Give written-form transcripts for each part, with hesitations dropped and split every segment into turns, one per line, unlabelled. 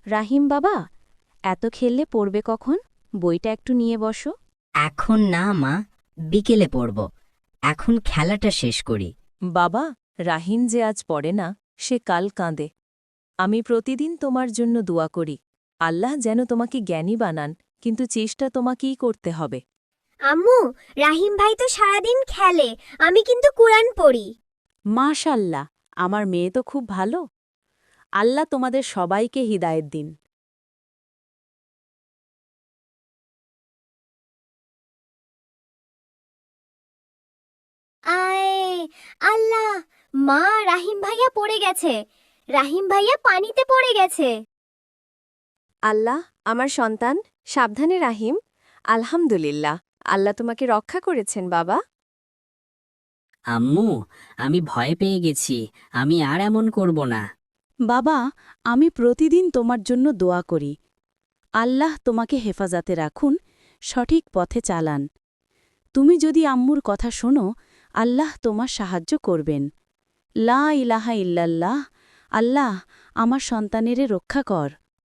রাহিম বাবা, এত খেললে পড়বে কখন? বইটা একটু নিয়ে বসো।
এখন না মা, বিকেলে পড়ব। এখন খেলাটা শেষ করি।
বাবা, রাহিম যে আজ পড়ে না, সে কাল কাঁদে। আমি প্রতিদিন তোমার জন্য দোয়া করি, আল্লাহ যেন তোমাকে জ্ঞানী বানান, কিন্তু চেষ্টা তোমাকেই করতে হবে।
আম্মু, রাহিম ভাই তো সারাদিন খেলে, আমি কিন্তু কুরআন পড়ি।
মাশাল্লাহ, আমার মেয়ে তো খুব ভালো। আল্লাহ তোমাদের সবাইকে হিদায়েত দিন।
আয় আল্লাহ, মা, রাহিম ভাইয়া পড়ে গেছে। রাহিম ভাইয়া পানিতে পড়ে গেছে।
আল্লাহ, আমার সন্তান, সাবধানে রাহিম। আলহামদুলিল্লাহ, আল্লাহ তোমাকে রক্ষা করেছেন বাবা।
আম্মু, আমি ভয় পেয়ে গেছি। আমি আর এমন করব না।
বাবা, আমি প্রতিদিন তোমার জন্য দোয়া করি। আল্লাহ তোমাকে হেফাজতে রাখুন, সঠিক পথে চালান। তুমি যদি আম্মুর কথা শোনো, আল্লাহ তোমার সাহায্য করবেন। লা ইলাহা ইল্লাল্লাহ। আল্লাহ, আমার সন্তানেরে রক্ষা কর।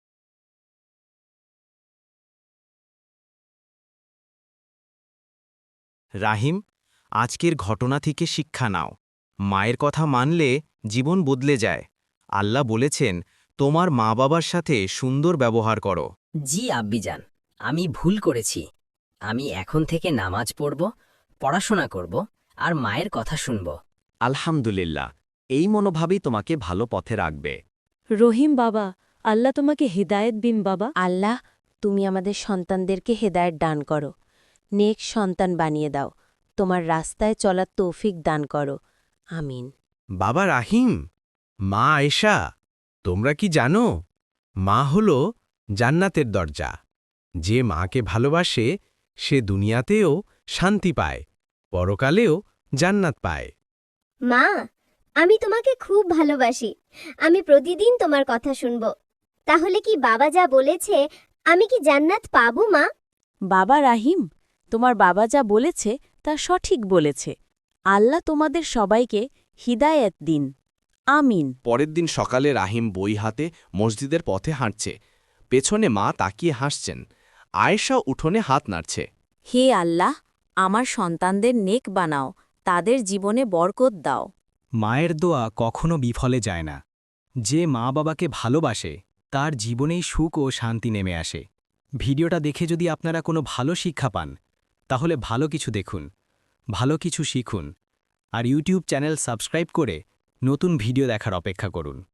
রাহিম, আজকের ঘটনা থেকে শিক্ষা নাও। মায়ের কথা মানলে জীবন বদলে যায়। আল্লাহ বলেছেন, তোমার মা বাবার সাথে সুন্দর ব্যবহার করো।
জি আব্বিজান, আমি ভুল করেছি। আমি এখন থেকে নামাজ পড়ব, পড়াশোনা করব, আর মায়ের কথা শুনব।
আলহামদুলিল্লাহ, এই মনোভাবই তোমাকে ভালো পথে রাখবে।
রহিম বাবা, আল্লাহ তোমাকে হিদায়েত দিন বাবা। আল্লাহ, তুমি আমাদের সন্তানদেরকে হেদায়েত দান করো। নেক সন্তান বানিয়ে দাও। তোমার রাস্তায় চলার তৌফিক দান করো। আমিন।
বাবা রাহিম, মা আয়েশা, তোমরা কি জানো, মা হল জান্নাতের দরজা। যে মাকে ভালোবাসে সে দুনিয়াতেও শান্তি পায়, পরকালেও জান্নাত পায়।
মা, আমি তোমাকে খুব ভালোবাসি। আমি প্রতিদিন তোমার কথা শুনব। তাহলে কি বাবা যা বলেছে, আমি কি জান্নাত পাবো মা?
বাবা রাহিম, তোমার বাবা যা বলেছে তা সঠিক বলেছে। আল্লাহ তোমাদের সবাইকে হিদায়েত দিন। আমিন।
পরের দিন সকালে রাহিম বই হাতে মসজিদের পথে হাঁটছে। পেছনে মা তাকিয়ে হাসছেন। আয়েশা উঠোনে হাত নাড়ছে।
হে আল্লাহ, আমার সন্তানদের নেক বানাও, তাদের জীবনে বরকত দাও।
মায়ের দোয়া কখনো বিফলে যায় না। যে মা বাবাকে ভালোবাসে তার জীবনেই সুখ ও শান্তি নেমে আসে। ভিডিওটা দেখে যদি আপনারা কোনো ভালো শিক্ষা পান, তাহলে ভালো কিছু দেখুন, ভালো কিছু শিখুন, আর ইউটিউব চ্যানেল সাবস্ক্রাইব করে নতুন ভিডিও দেখার অপেক্ষা করুন।